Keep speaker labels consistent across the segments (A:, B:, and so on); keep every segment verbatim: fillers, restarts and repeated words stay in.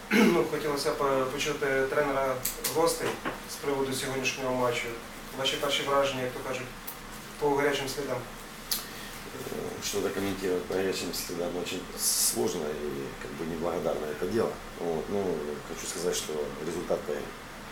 A: ну, хотілося б почути тренера гостей з приводу сьогоднішнього матчу. Ваші перші враження, як то кажуть, по гарячим слідам?
B: Что-то комментировать по горячим следам очень сложно и как бы неблагодарно это дело. Вот. Ну, хочу сказать, что результат появится.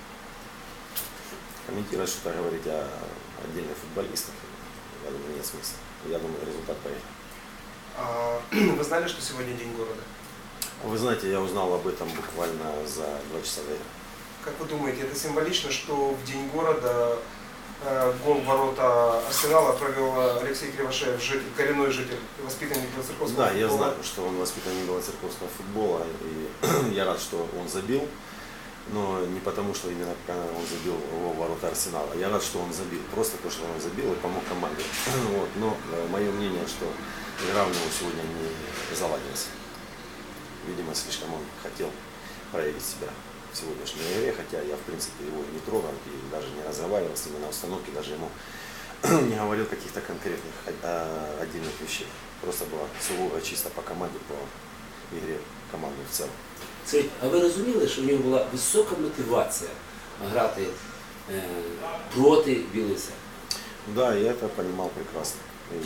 B: Комментировать что-то говорить о отдельных футболистах, я думаю, нет смысла. Я думаю, результат появится.
A: А, вы знали, что сегодня День города?
B: Вы знаете, я узнал об этом буквально за два часа до этого.
A: Как вы думаете, это символично, что в День города э, гол в ворота Арсенала провел Алексей Кривошеев, житель, коренной житель, воспитанник Белоцерковского
B: Да,
A: футбола?
B: я знаю, что он воспитанник Белоцерковского футбола, и я рад, что он забил, но не потому, что именно он забил в ворота Арсенала. Я рад, что он забил, просто то, что он забил и помог команде. Вот. Но мое мнение, что игра у него сегодня не заладилась. Видимо, слишком он хотел проявить себя в сегодняшней игре, хотя я, в принципе, его не трогал и даже не разговаривал с ним на установке, даже ему не говорил каких-то конкретных отдельных вещей. Просто было сугубо чисто по команде, по игре команды в целом.
C: Скажіть, а ви розуміли, що в нього була висока мотивація грати е, проти Білої Церкви?
B: Да, я это понимал прекрасно. И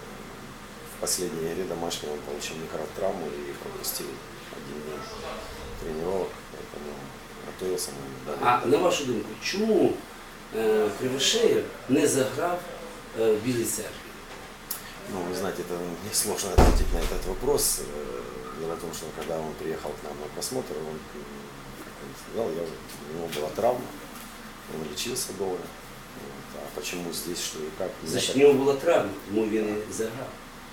B: в последней игре домашней он получил микротравму и пропустил один день тренировок, поэтому готовился.
C: А на вашу думку, чому е, Кривошеєв не заграв е, в Білій Церкві?
B: Ну, вы знаете, это мне сложно ответить на этот вопрос. Дело в том, что когда он приехал к нам на просмотр, он, как он сказал, я, у него была травма, он лечился долго. Вот. А почему здесь, что и как?
C: Значить, у нього була травма, тому він і заграв.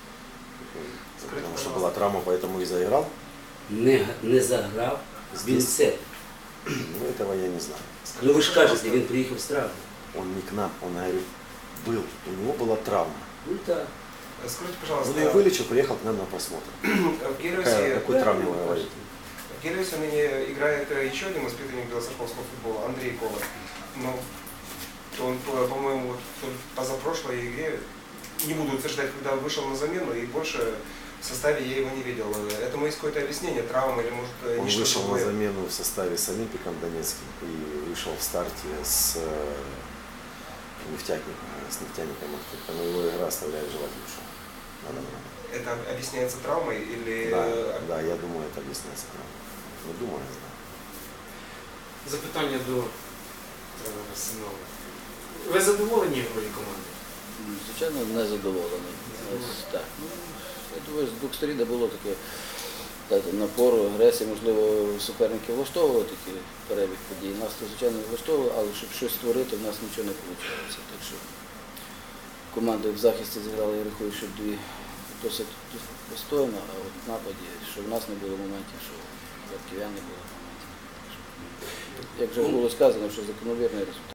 B: Потому что была травма, поэтому и заиграл?
C: Не, не заграв в Білій Церкві.
B: Ну, этого я не знаю.
C: Ну ви ж кажете, він приїхав з травмою.
B: Он не к нам, он, говорю, был, у него была травма.
C: Ну так.
A: Скажите,
B: Он
A: пожалуйста,
B: ее вылечил, приехал к нам на просмотр.
A: в Гелиосе,
B: Какая- Какой
C: да,
B: травме
C: ну,
B: вы говорите?
A: в Гелиосе ныне играет еще один воспитанник Белоцерковского футбола, Андрей Коваль. Но он, по-моему, вот в позапрошлой игре, не буду утверждать, когда вышел на замену, и больше в составе я его не видел. Этому есть какое-то объяснение, травма или может
B: Он
A: нечто
B: вышел на
A: другое?
B: замену в составе с Олимпиком Донецким и вышел в старте с э, нефтяником, с нефтяником открыто. Но его игра оставляет желать лучшего. На данный момент.
A: Это объясняется травмой или...
B: Да, да, я думаю, это объясняется травмой. Ну, думаю, я знаю.
D: Запитання до тренера Арсенала. Ви задоволені грою команди?
E: Звичайно, не задоволений. Ось так. Ну, я думаю, з двох сторін було таке так, напору, агресії, можливо, суперники влаштовували такий перебіг подій. Нас то, звичайно, влаштовували, але щоб щось створити, в нас нічого не вийшло. Так що команди в захисті зіграли, я рахую, що дві досить достойно, а от в нападі, що в нас не було моментів, що в Харків'ян не було моментів. Як вже було сказано, що закономірний результат.